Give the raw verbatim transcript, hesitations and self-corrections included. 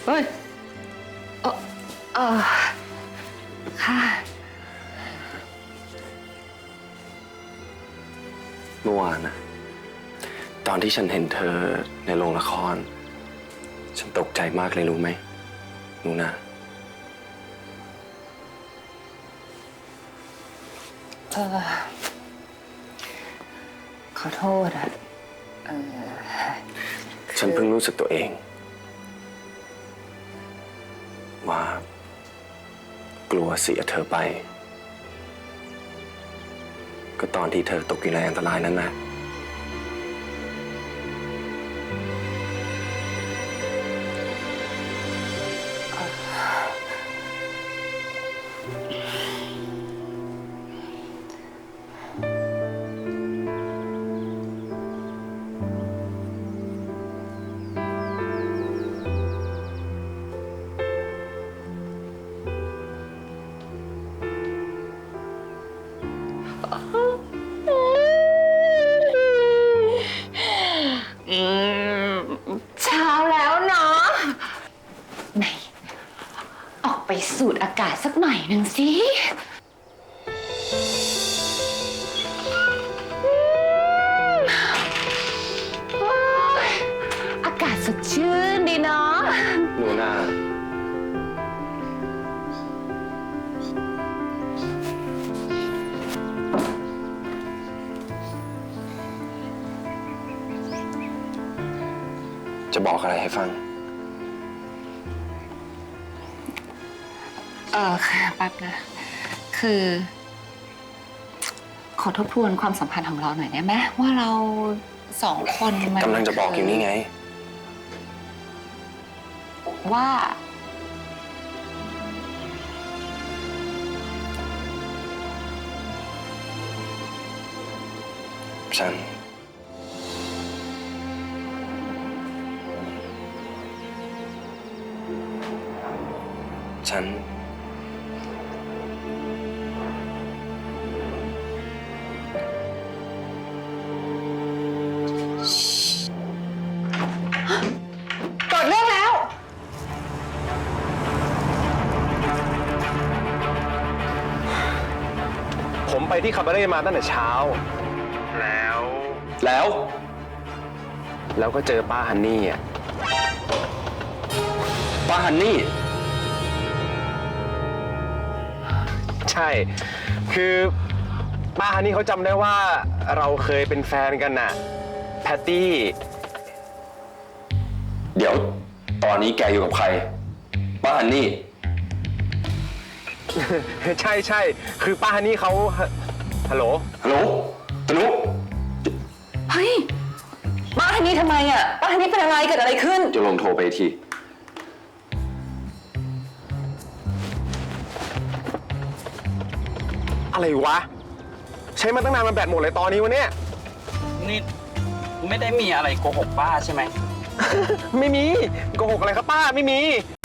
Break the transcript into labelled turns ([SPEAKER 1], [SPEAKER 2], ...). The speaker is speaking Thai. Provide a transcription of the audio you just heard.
[SPEAKER 1] เอ้ยเออเออค่ะ
[SPEAKER 2] เมื่อวานนะตอนที่ฉันเห็นเธอในโรงละคร ฉันตกใจมากเลยรู้ไหมหนูนะ
[SPEAKER 1] เออขอโทษอะเออ
[SPEAKER 2] ฉันเพิ่งรู้สึกตัวเอง ว่า กลัวเสียเธอไป ก็ตอนที่เธอตกอยู่ในอันตรายนั้นนะ
[SPEAKER 1] เช้าแล้วเนาะไหนออกไปสูดอากาศสักหน่อยหนึ่งสิอากาศสดชื่นดีเนาะ
[SPEAKER 2] หนูนาจะบอกอะไรให้ฟัง
[SPEAKER 1] เออค่ะแป๊บนะ คือ ขอทบทวนความสัมพันธ์ของเราหน่อยได้ไหมว่าเราสองคนมัน
[SPEAKER 2] กำลังจะบอกอยู่นี่ไง
[SPEAKER 1] ว่า
[SPEAKER 2] ฉัน ฉัน
[SPEAKER 1] เกิดเรื่องแล้ว
[SPEAKER 3] ผมไปที่คาบาเร่มาตั้งแต่เช้า แล้ว
[SPEAKER 2] แล้ว
[SPEAKER 3] แล้วก็เจอป้าฮันนี่อ่ะ
[SPEAKER 2] ป้าฮันนี่
[SPEAKER 3] ใช่ คือป้าฮันนี่เขาจำได้ว่าเราเคยเป็นแฟนกันน่ะ แพตตี้
[SPEAKER 2] เดี๋ยว ตอนนี้แกอยู่กับใคร ป้าฮันนี่
[SPEAKER 3] ใช่ใช่ คือป้าฮันนี่เขาฮัลโหล
[SPEAKER 2] ฮัลโหลตนุ
[SPEAKER 1] เฮ้ยป้าฮันนี่ทำไมอ่ะป้าฮันนี่เป็นอะไรเกิดอะไรขึ้น
[SPEAKER 2] จะลองโทรไปที
[SPEAKER 3] อะไรวะ ใช้มาตั้งนานมันแบตหมดเลยตอนนี้วะเนี่ย
[SPEAKER 4] นี่ไม่ได้มีอะไรโกหกป้าใช่ไหม
[SPEAKER 3] ไม่มีโกหกอะไรครับป้าไม่มี